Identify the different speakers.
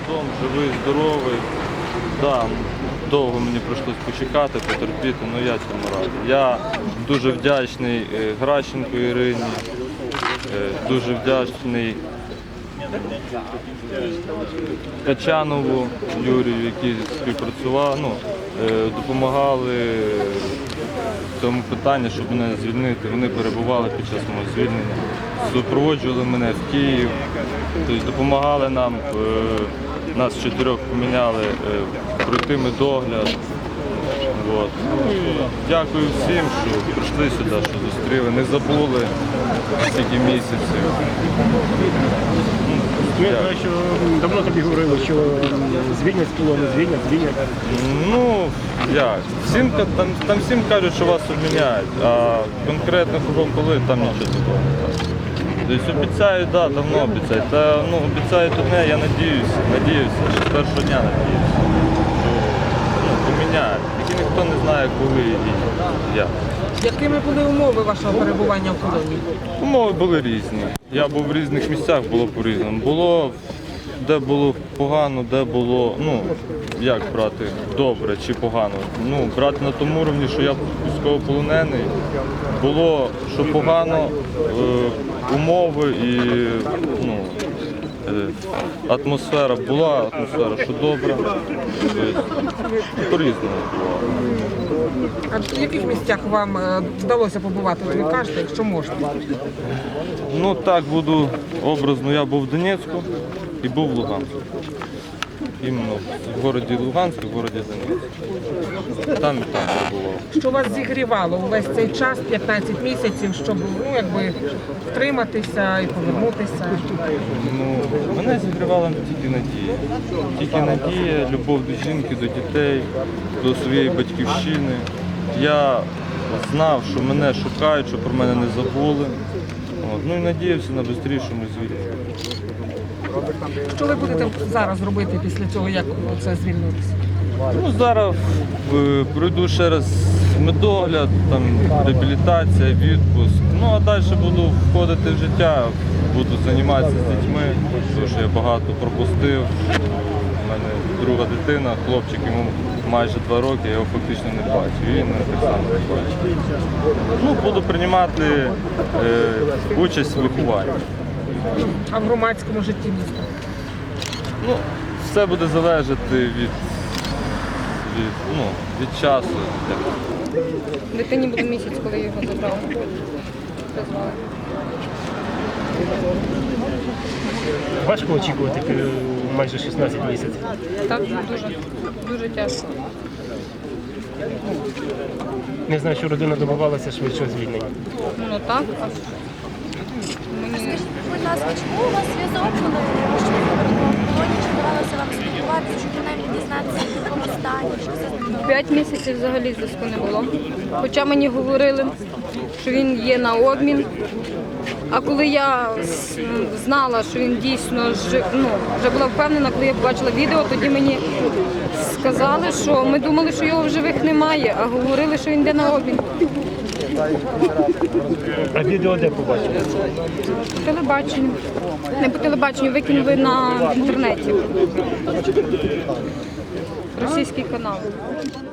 Speaker 1: додому, живий, здоровий. Да, довго мені прийшлось почекати, потерпіти, але я цьому радий. Я дуже вдячний Гращенко Ірині, дуже вдячний Качанову Юрію, які співпрацювали, допомагали в цьому питанні, щоб мене звільнити. Вони перебували під час мого звільнення, супроводжували мене в Київ, тобто допомагали нам, нас 4 поміняли, пройти медогляд. От. Дякую всім, що прийшли сюди, що зустріли, не забули стільки місяців.
Speaker 2: Я знаю, що давно тобі говорили, що звільнять з полону, звільнять.
Speaker 1: Ну, як? Там всім кажуть, що вас обміняють, а конкретно кого коли, там нічого такого не так. Тобто обіцяють, так, давно обіцяють. Та, обіцяють одне, я надіюся, що з першого дня надіюся, що поміняють. Тільки ніхто не знає, коли і як.
Speaker 3: Якими були умови вашого перебування в полоні?
Speaker 1: Умови були різні. Я був в різних місцях, було по-різному. Було, де було погано, де було, як брати, добре чи погано. Брати на тому рівні, що я військовополонений. Було, що погано, умови і атмосфера була, що добра. По-різному було.
Speaker 3: А в яких місцях вам вдалося побувати, ви кажете, якщо можна?
Speaker 1: Так буду образно. Я був в Донецьку і був в Луганську. Іменно в місті Луганськ і в місті Донецьк. Там і там перебував.
Speaker 3: Що вас зігрівало увесь цей час, 15 місяців, щоб втриматися і повернутися?
Speaker 1: Мене зігрівала тільки надія. Тільки надія, любов до жінки, до дітей, до своєї батьківщини. Я знав, що мене шукають, що про мене не забули. І надіявся на швидшому звільненні.
Speaker 3: Що ви будете зараз робити після цього, як це звільнитися?
Speaker 1: Зараз пройду ще раз медогляд, реабілітація, відпуск. А далі буду входити в життя, буду займатися з дітьми, тому що я багато пропустив. У мене друга дитина, хлопчик, йому майже 2 роки, я його фактично не бачу. І він так само не бачить. Буду приймати участь в вихованні.
Speaker 3: А в громадському житті міста?
Speaker 1: Все буде залежати від часу.
Speaker 4: Дитині буде місяць, коли його забрали. Призвали.
Speaker 2: Важко очікувати майже 16 місяців.
Speaker 4: Так, дуже тяжко.
Speaker 2: Не знаю, що родина добивалася швидшого звільнення.
Speaker 4: Так.
Speaker 5: Скажіть, будь ласка, чому у вас зв'язок, коли ви в полоні, чи вдавалося вам спілкуватися, щоб принаймні дізнатися, в якому стані, що це?
Speaker 4: 5 місяців взагалі зв'язку не було. Хоча мені говорили, що він є на обмін. А коли я знала, що він дійсно вже була впевнена, коли я побачила відео, тоді мені сказали, що ми думали, що його в живих немає, а говорили, що він йде на обмін.
Speaker 2: А відео де побачили?
Speaker 4: По телебаченню. Не по телебаченню, викинули в інтернеті. Російський канал.